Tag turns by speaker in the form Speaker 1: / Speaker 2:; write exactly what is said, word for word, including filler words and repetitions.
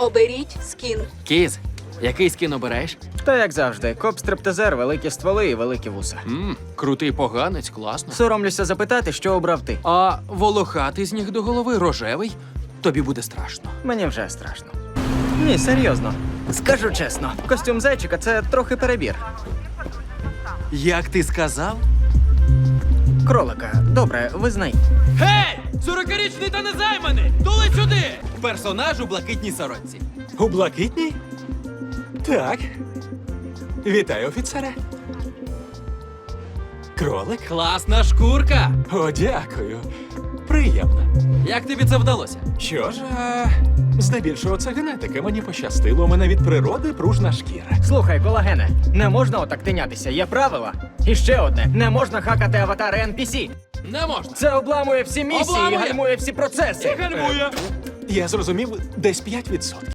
Speaker 1: Оберіть скін.
Speaker 2: Кіз, який скін обираєш?
Speaker 3: Та як завжди, коп-стриптизер, великі стволи і великі вуса.
Speaker 2: Мм, крутий поганець, класно.
Speaker 3: Соромлюся запитати, що обрав ти.
Speaker 2: А волохатий з ніг до голови, рожевий? Тобі буде страшно.
Speaker 3: Мені вже страшно. Ні, серйозно. Скажу чесно, костюм зайчика це трохи перебір.
Speaker 2: Як ти сказав?
Speaker 3: Кролика, добре, визнай.
Speaker 2: Гей! сорокарічний та незайманий! Тули сюди! Персонаж у блакитній сорочці.
Speaker 4: У блакитній? Так. Вітаю, офіцере. Кролик?
Speaker 2: Класна шкурка!
Speaker 4: О, дякую. Приємно.
Speaker 2: Як тобі це вдалося?
Speaker 4: Що ж, а, здебільшого це генетика. Мені пощастило, у мене від природи пружна шкіра.
Speaker 3: Слухай, колагене, не можна отак тинятися, є правила. І ще одне, не можна хакати аватари ен пі сі.
Speaker 2: Не можна.
Speaker 3: Це обламує всі місії
Speaker 2: Обламує.
Speaker 3: і гальмує всі процеси.
Speaker 2: Гальмує.
Speaker 4: Я зрозумів, десь п'ять відсотків.